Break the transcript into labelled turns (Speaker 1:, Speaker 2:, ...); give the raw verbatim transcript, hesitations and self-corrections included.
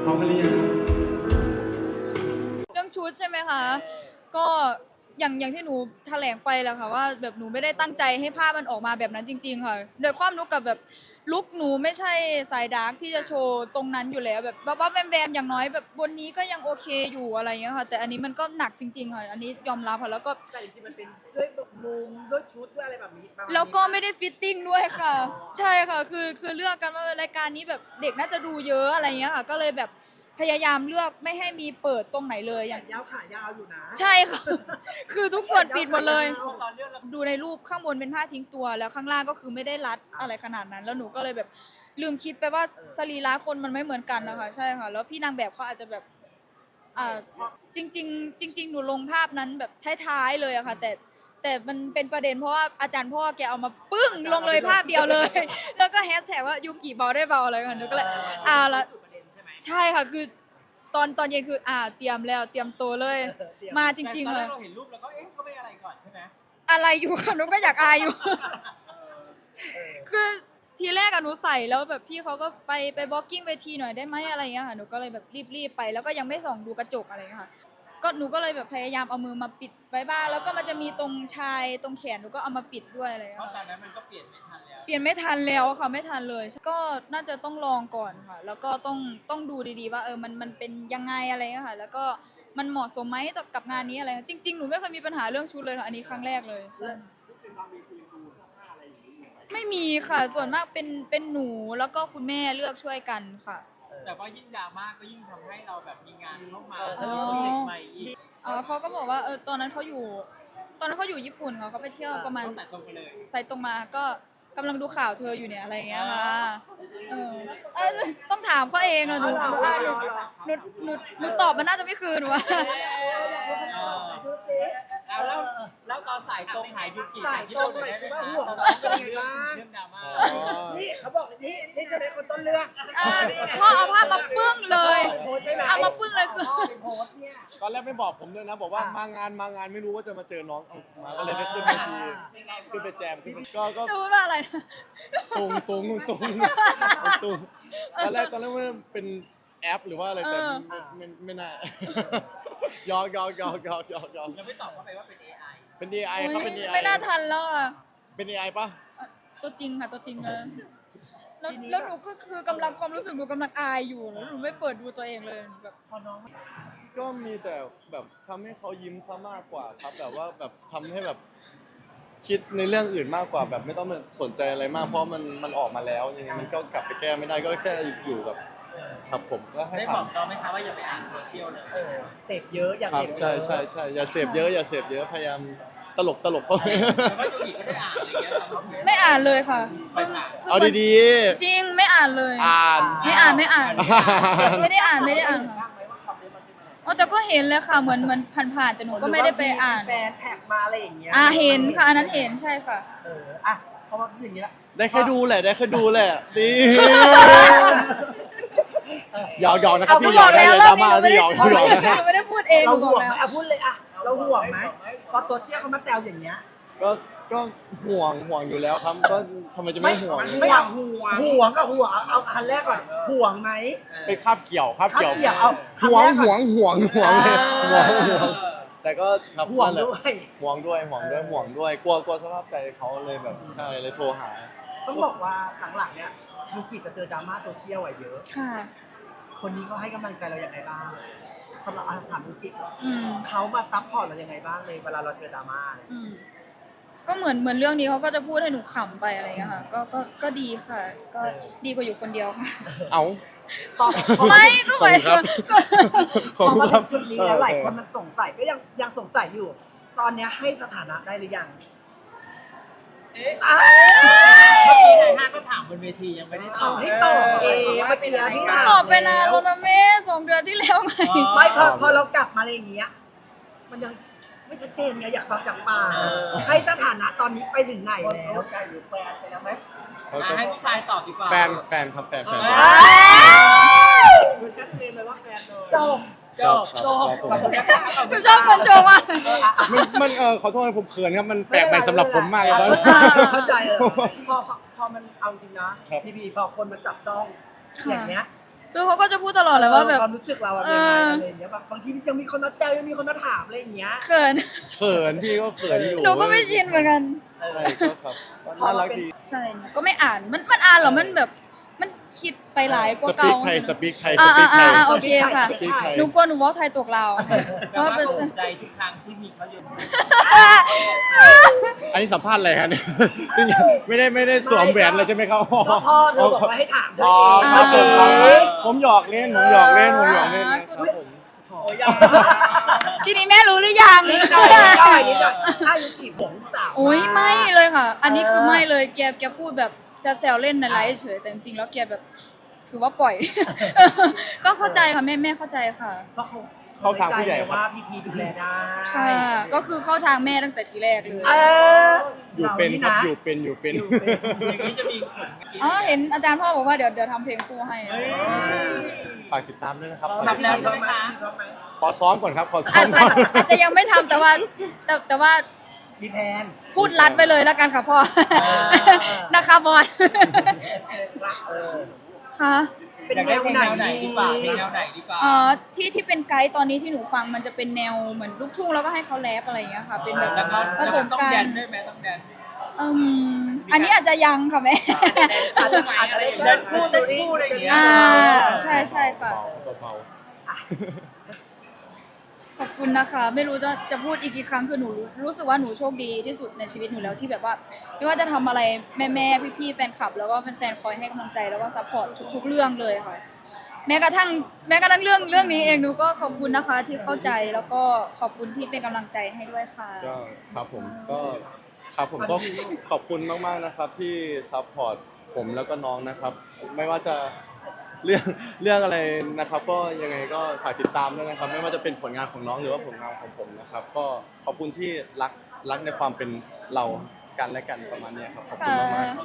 Speaker 1: พร้อมกันหรือยัง
Speaker 2: เรื่องชุดใช่ไหมคะก็อย่างอย่างที่หนูแถลงไปแหละค่ะว่าแบบหนูไม่ได้ตั้งใจให้ภาพมันออกมาแบบนั้นจริงๆค่ะโดยความรู้กับแบบลุคหนูไม่ใช่สายดาร์กที่จะโชว์ตรงนั้นอยู่แล้วแบบบ้าๆแวมๆอย่างน้อยแบบบนนี้ก็ยังโอเคอยู่อะไรอย่างเงี้ยค่ะแต่อันนี้มันก็หนักจริงๆค่ะอันนี้ยอมรับค่ะแล้วก็
Speaker 3: แต่จริงๆมันเป็นด้วยมุมด้วยชุดด้วยอะไรแบบนี้ประมาณนี้
Speaker 2: แล้วก็ไม่ได้ฟิตติ้งด้วยค่ะ ใช่ค่ะคือคือเลือกกันว่ารายการนี้แบบเด็กน่าจะดูเยอะอะไรอย่างเงี้ยค่ะก็เลยแบบพยายามเลือกไม่ให้มีเปิดตรงไหนเลยอ
Speaker 3: แข
Speaker 2: ย่าง
Speaker 3: นยาวขายาวอยู่นะ
Speaker 2: ใช่ค่ะ คือทุกส่วนปิดหมดเลย
Speaker 3: ตอนเลือกเรา
Speaker 2: ดูในรูปข้างบนเป็นผ้าทิ้งตัวแล้วข้างล่างก็คือไม่ได้รัดอะไรขนาดนั้น แล้วหนูก็เลยแบบลืมคิดไปว่าสรีระคนมันไม่เหมือนกันนะคะใช่ค่ะแล้วพี่นางแบบเขาอาจจะแบบอ่าจริงๆจริงๆหนูลงภาพนั้นแบบท้ายๆเลยอะค่ะแต่แต่มันเป็นประเด็นเพราะว่าอาจารย์พ่อแกเอามาปึ้งลงเลยภาพเดียวเลย แล้วก็แฮชแท็กว่ายูกิเบาได้เบาอะไรกันหนูก็เลยอ่าละ
Speaker 3: จุดประเด็นใช่ไหม
Speaker 2: ใช่ค่ะคือตอนตอนเย็นคืออ่าเตรียมแล้วเตรียมตัวเลย มาจริงๆ
Speaker 4: ตอน
Speaker 2: เล
Speaker 4: แร
Speaker 2: ย
Speaker 4: กเราเห็นรูปแล้วก็เอ๊ะก็ไม่อะไรก่อนใช่ไหม
Speaker 2: อะไรอยู่ค่ะหนูก็อยากอายอยู่ คือทีแรกอะหนูใส่แล้วแบบพี่เขาก็ไปไปบล็อกกิ้งเวทีหน่อยได้ไหมอะไรอย่างเงี้ยค่ะหนูก็เลยแบบรีบๆไปแล้วก็ยังไม่ส่องดูกระจกอะไรอย่างเงี้ยค่ะก็หนูก็เลยแบบพยายามเอามือมาปิดไว้บ้างแล้วก็มันจะมีตรงชายตรงแขนหนูก็เอามาปิดด้วยอะไรอย่าง
Speaker 4: เพ
Speaker 2: เงี้ย
Speaker 4: ราะตอ
Speaker 2: ค่ะ
Speaker 4: นนั้นมันก็เปลี่ยนไม่ทันแล้ว
Speaker 2: เปลี่ยนไม่ทันแล้วค่ะไม่ทันเลย ก็น่าจะต้องลองก่อนค่ะ แล้วก็ต้องต้องดูดีๆว่าเออมันมันเป็นยังไงอะไรเงี้ยค่ะ แล้วก็มันเหมาะสมไหมกับงานนี้อะไรจริงๆหนูไม่เคยมีปัญหาเรื่องชุดเลยค่ะอันนี้ครั้งแรกเลยไม่มีค่ะส่วนมากเป็นเป็นหนูแล้วก็คุณแม่เลือกช่วยกันค่ะ
Speaker 4: แต่ว่ายิ่งดราม่าก็ยิ่งทำให้เราแบบมีงานเข้ามา
Speaker 2: อ๋อ
Speaker 4: แล้วก็มีใหม่อีก
Speaker 2: เออเขาก็บอกว่าเออตอนนั้นเขาอยู่ ตอนนั้นเขาอยู่ญี่ปุ่นค่ะเขาไปเที่ยวประมาณ
Speaker 4: ต้องแต่ตรงไปเลย
Speaker 2: ใส่ตรงมาก็กำลังดูข่าวเธออยู่เนี่ยอะไรอย่างเงี้ยค่ะเออเอ้ยต้องถามเขาเองอะหนูหนูอ่ะหนูหนูหนูหนูตอบมันน่าจะไม่คืนว่ะ
Speaker 4: แล้วแล้วแล้วตอนสายตรงหายยูกิ
Speaker 3: สายตรงหน่อยคือว่าห่วง
Speaker 4: ตอน
Speaker 3: น้องเป็นยังไงบ้าง
Speaker 4: เรื่องดราม่า
Speaker 3: นี่เขาบอกนี่นี่ใช่ไหมคนต้นเรื่อง
Speaker 2: อ่าพ่อเอาภาพมาปึ้งเลย
Speaker 3: โพสใช่ไหม
Speaker 2: เอามาปึ้งเลยคือ
Speaker 3: พ่อไปโพสเนี่ย
Speaker 5: ตอนแรกไม่บอกผมด้วยนะบอกว่า
Speaker 3: อ่ะ
Speaker 5: มางานมางานไม่รู้ว่าจะมาเจอน้องเอามาก็เลยได้ขึ้นเวทีขึ้นไปแจมขึ้นไปก็ก็
Speaker 2: ดูว่าอะไรนะ
Speaker 5: ตุงตุงตุงตุงตอนแรกตอนแรกว่าเป็นแอปหรือว่าอะไรแต่ไม่ไม่ไม่น่ายอกยอกยอกยอกยอกยอก
Speaker 4: เราไม่ตอบเข้าไปว่าเป็น เอ ไอ
Speaker 5: เป็น เอ ไอ ครับเป็น เอ ไอ
Speaker 2: ไม่น่าทันแล้วอ่ะ
Speaker 5: เป็น เอ ไอ ปะ
Speaker 2: ตัวจริงค่ะตัวจริงเลยแล้วแล้วหนูก็คือกำลังความรู้สึกหนูกำลังอายอยู่แล้วหนูไม่เปิดดูตัวเองเลยแบบ
Speaker 3: พอน้อง
Speaker 5: ก็มีแต่แบบทำให้เขายิ้มซะมากกว่าครับแบบว่าแบบทำให้แบบคิดในเรื่องอื่นมากกว่าแบบไม่ต้องมาสนใจอะไรมากเพราะมันมันออกมาแล้วยังไงมันก็กลับไปแก้ไม่ได้ก็แค่อยู่กับครับผมก็ให้
Speaker 4: ได้บ
Speaker 5: ผ่า
Speaker 4: อน กเราไหมคะว่าอย่าไปอ่านโซเชียลเลย
Speaker 3: เออเสพเยอะอย่า
Speaker 5: ครั
Speaker 3: เส
Speaker 5: บ
Speaker 3: พเยอะ
Speaker 5: ใช่ใช่ใช่อย่าเสพเยอะอย่าเสพเยอะพยายามตลกตลกเขา
Speaker 4: แต่ว่ายูกิก็ได้อ่านอะไรอย่างเงี้ยเราก็
Speaker 2: ไม่อ่านเลยค่ะเพิ่ง
Speaker 5: เอาดี
Speaker 2: จริงไม่อ่านเลย
Speaker 5: ๆอ่าน
Speaker 2: ไม่อ่านไม่อ่าน
Speaker 5: อ่าน
Speaker 2: ไม่ได้อ่านไม่ได้อ่านค่ะอ๋อแต่ก็เห็นเลยค่ะเหมือนเหมือนผ่านๆแต่หนูก็ไม่ได้ไปอ่าน
Speaker 3: แฟนแท็กมาอะไรอย่างเงี้ย
Speaker 2: อ่าเห็นค่ะอันนั้นเห็นใช่ค่ะ
Speaker 3: เอออ่ะเพราะว่าอย่างนี้ละ
Speaker 5: ได้แค่ดูแหละได้แค่ดูแหละดีหยอกหยอกนะครับ
Speaker 2: หนู
Speaker 5: พี่หย
Speaker 2: บ
Speaker 5: อ
Speaker 2: อก ก
Speaker 5: ได้
Speaker 2: แล้ว
Speaker 5: เลย
Speaker 2: ร
Speaker 5: ด
Speaker 2: อ
Speaker 5: รา
Speaker 2: บนี้
Speaker 5: ม่า
Speaker 2: หนูไม่
Speaker 5: พี่หย
Speaker 2: ได้
Speaker 5: อก
Speaker 2: หนู
Speaker 5: พี่หยอกนะ
Speaker 2: ไม่ได้พูดเองห
Speaker 3: เรา
Speaker 2: นูบ
Speaker 3: ห่
Speaker 2: อ
Speaker 3: ว
Speaker 2: ก
Speaker 3: ง
Speaker 2: แล้ว
Speaker 3: ไหมอ่ะพูดเลยอ่ะเราห่วงไหมพอโซเชียลเขามาแซวอย่างเงี้ย
Speaker 5: ก็ก็ห่วงห่วงอยู่แล้วครับก็ทำไมจะไม่ห่วง
Speaker 3: ไม่ห่วงห่วงห่วงก็ห่วงเอาเอาอันแรกก่อนห่วงไหม
Speaker 5: ไปคาบเกี่ยวคาบเกี่ยว
Speaker 3: คาบเกี่ยวเอา
Speaker 5: ห่วง
Speaker 3: คำแรกก่อน
Speaker 5: ห่วงห่วงห่วงเลยห่ว
Speaker 3: อ่า
Speaker 5: งห่วงแต่ก็ครับ
Speaker 3: ห่วง
Speaker 5: นั่นแหละ
Speaker 3: ด้วย
Speaker 5: ห่วงด้วยห่วงด้วยห่วงด้วยกลัวกลัวสภาพใจเขาเลยแบบใช่เลยโทรหา
Speaker 3: ต้องบอกว่าหลังๆเนี่ยยูกิจะเจอดราม่าโซเชียลอะเยอะ
Speaker 2: ค่ะ
Speaker 3: คนนี้เขาให้กำลังใจเราอย่างไรบ้างสำหรับอาถามยูกิ
Speaker 2: อืม
Speaker 3: เขามาซัพพอร์ตเราอย่างไรบ้างในเวลาเราเจอดราม่าเนี่ย
Speaker 2: อืมก็เหมือนเหมือนเรื่องนี้เขาก็จะพูดให้หนูขำไปอะไรอย่างเงี้ยค่ะ ก็ก็ก็ดีค่ะ ก็ดีกว่าอยู่คนเดียวค่ะ
Speaker 5: เอา
Speaker 3: พอพอ
Speaker 2: ไม่ก็หมายถึงก็
Speaker 5: ขอบ
Speaker 3: พอ
Speaker 5: คุณ
Speaker 3: มา
Speaker 5: ครั
Speaker 3: ถึ
Speaker 5: บ
Speaker 3: งจุดนี้แล้วหลายคนมันสงสัยก็ยังยังสงสัยอยู่ ตอนเนี้ยให้สถานะได้หรือยังอ้าว
Speaker 4: เมื่อกี้นายห้างก็ถามบนเวทียังไม่ได้ต
Speaker 3: เขา
Speaker 4: อบ
Speaker 3: ให้ตอบเองเมื่อกี้พี่
Speaker 2: ก็
Speaker 3: ถาม
Speaker 2: ตอบไปนานแล้วนะแม่สองเดือนที่แล้วไง
Speaker 3: ไม่พอพอเรากลับมาอะไรอย่างเงี้ย มันยังไม่ชัดเจนไงอยากฟังจากปากให้สถานะตอนนี้ไปถึงไหนแล้ว
Speaker 4: อ่ะให้ผู้ชายตอบดีกว่า
Speaker 5: แฟนแฟนครับแฟนแฟน
Speaker 4: คือชัดเจนเลยว่าแฟนเลย
Speaker 3: จบ
Speaker 5: จบจบผม
Speaker 2: หนูชอบคนโชว์มาก
Speaker 5: มันมันเออขอโทษนะผมเขินครับมันแปลกใหม่สำหรับผมมากเลยตอนนี้
Speaker 3: เข้าใจเลยพอพอพอมันเอาจริงนะครับ พี่พีพอคนมาจับต้อง
Speaker 2: ค่ะ
Speaker 3: อย่างเงี้ย
Speaker 2: คือเขาก็จะพูดตลอดเลยว่าแบบ
Speaker 3: ความรู้สึกเราอะเป็นยังไงอะไรอย่างเงี้ยบางบางทียังมีคนมาแซวยังมีคนมาถามอะไรอย่างเงี้ย
Speaker 2: เขิน
Speaker 5: เขินพี่ก็เขินอยู่
Speaker 2: หนูก็ไม่ชินเหมือนกัน
Speaker 3: เออ
Speaker 5: ใช่ก็ครับน่ารักดี
Speaker 2: ใช่หนูก็ไม่อ่านมันมันอ่านเหรอมันแบบมันคิดไปหลายก
Speaker 5: ส
Speaker 2: ว่า
Speaker 5: ปี
Speaker 2: เก่าก
Speaker 5: ไทยสปีกไทยส
Speaker 2: อ่า
Speaker 5: ปีกไท
Speaker 2: อ่าย อ่าโอเคค่ะ
Speaker 5: สปีกไทย
Speaker 2: หนูกลัวหนูเว่าไทยตกเราวเพ
Speaker 4: แต่
Speaker 2: ราะว่า
Speaker 4: ว่า
Speaker 2: เป็น
Speaker 4: ภูมิใจทุกครั้งที่มีเขาอยู่
Speaker 5: อันนี้สัมภาษณ์อะไรครับเนี่ยไม่ได้ไม่ได้สวมแหวนเลยใช่ไหมครับ
Speaker 3: ก็พ่อเธอบอกว่าให้ถามเธอ
Speaker 5: อ๋อ
Speaker 3: เอง
Speaker 5: ครับผม
Speaker 2: อ่า
Speaker 5: ครับผมหยอกเล่นผมหยอกเล่นผมหยอกเล่นนะครับผม
Speaker 3: โอ้ยยัง
Speaker 2: ทีนี้แม่รู้หรือยัง
Speaker 3: นิดหน่อยนิดหน่อยนิดหน่อยอายุกี่ผมสาว
Speaker 2: โอ้ยไม่เลยค่ะ อันนี้คือไม่เลยแกแกพูดแบบจะแซวเล่นในไลฟ์เฉยแต่จริงๆแล้วแกแบบถือว่าปล่อย ก็เข้าใจค่ะแม่แม่เข้าใจค่ะ
Speaker 3: เพราะเขา
Speaker 5: เข้าทางผู้ใหญ่ครับ
Speaker 3: ว่าพี่พีดูแลได้
Speaker 2: ค่ะ ก็คือเข้าทางแม่ตั้งแต่ทีแรกเลย
Speaker 3: เออ
Speaker 5: อยู่เป็นครับอยู่เป็นอยู่เป็น
Speaker 3: อยู่เป็น
Speaker 4: อย่างนี้จะมีผลงาน
Speaker 2: อ๋อเห็นอาจารย์พ่อบอกว่าเดี๋ยวเดี๋ยวทำเพลงคู่ให้
Speaker 4: เฮ้ย
Speaker 5: ฝากติดตามด้วยนะครับ
Speaker 3: ทำแล้วใช่ไหมทำไหม
Speaker 5: ขอซ้อมก่อนครับขอซ้อ
Speaker 2: อาจ
Speaker 5: มก่อน
Speaker 2: อาจจะยังไม่ทำแต่ว่าแต่แต่ว่า
Speaker 3: มีแพน
Speaker 2: พูดรัดไปเลยแล้วกันค่ะพ่อ
Speaker 3: อ
Speaker 2: นะคะบอส
Speaker 3: เออ
Speaker 2: ค่ะ
Speaker 3: เป็น
Speaker 4: อยาก
Speaker 3: แน
Speaker 4: ได้
Speaker 3: ว
Speaker 4: เพลง
Speaker 3: ไหน
Speaker 4: แนวไหน
Speaker 3: ดี
Speaker 4: ดีกว่าเพลงแนวไหนดีกว่า
Speaker 2: เอ่อที่ที่เป็นไกด์ตอนนี้ที่หนูฟังมันจะเป็นแนวเหมือนลูกทุ่งแล้วก็ให้เขาแรปอะไรอย่างเงี้ยค่ะ เป็นแบบ
Speaker 4: แล้วก็
Speaker 2: ผสม
Speaker 4: ต้อง
Speaker 2: กั
Speaker 4: แด
Speaker 2: น
Speaker 4: นด้วยไหมต้องแดน
Speaker 2: อืมอันนี้อาจจะยังค่ะแม่
Speaker 3: อาจจะอาจจะได้
Speaker 4: เดินคู่เดินคู่อะไรอย่างเงี้ย
Speaker 2: อ่าใช่ใช่ค่ะ
Speaker 5: เบา
Speaker 2: ขอบคุณนะคะ ไม่รู้จะจะพูดอีกกี่ครั้งคือหนูรู้รู้สึกว่าหนูโชคดีที่สุดในชีวิตหนูแล้วที่แบบว่าไม่ว่าจะทำอะไรแม่แม่พี่พี่ๆแฟนคลับ แล้วก็แฟนๆคอยให้กำลังใจแล้วก็ซัพพอร์ตทุกๆเรื่องเลยค่ะ แม้กระทั่งแม้กระทั่งเรื่องเรื่องนี้เองหนูก็ขอบคุณนะคะที่เข้าใจแล้วก็ขอบคุณที่เป็นกำลังใจให้ด้วยค่ะ
Speaker 5: ๆก็ครับผมก็ครับผมก็ขอบคุณมากๆนะครับที่ซัพพอร์ตผมแล้วก็น้องนะครับ ไม่ว่าจะเรื่องเรื่องอะไรนะครับ ก็ยังไงก็ฝากติดตามด้วยนะครับ ไม่ว่าจะเป็นผลงานของน้องหรือว่าผลงานของผมนะครับ ก็ขอบคุณที่รักรักในความเป็นเรากันและกันประมาณเนี้ยครับขอบคุณมากๆ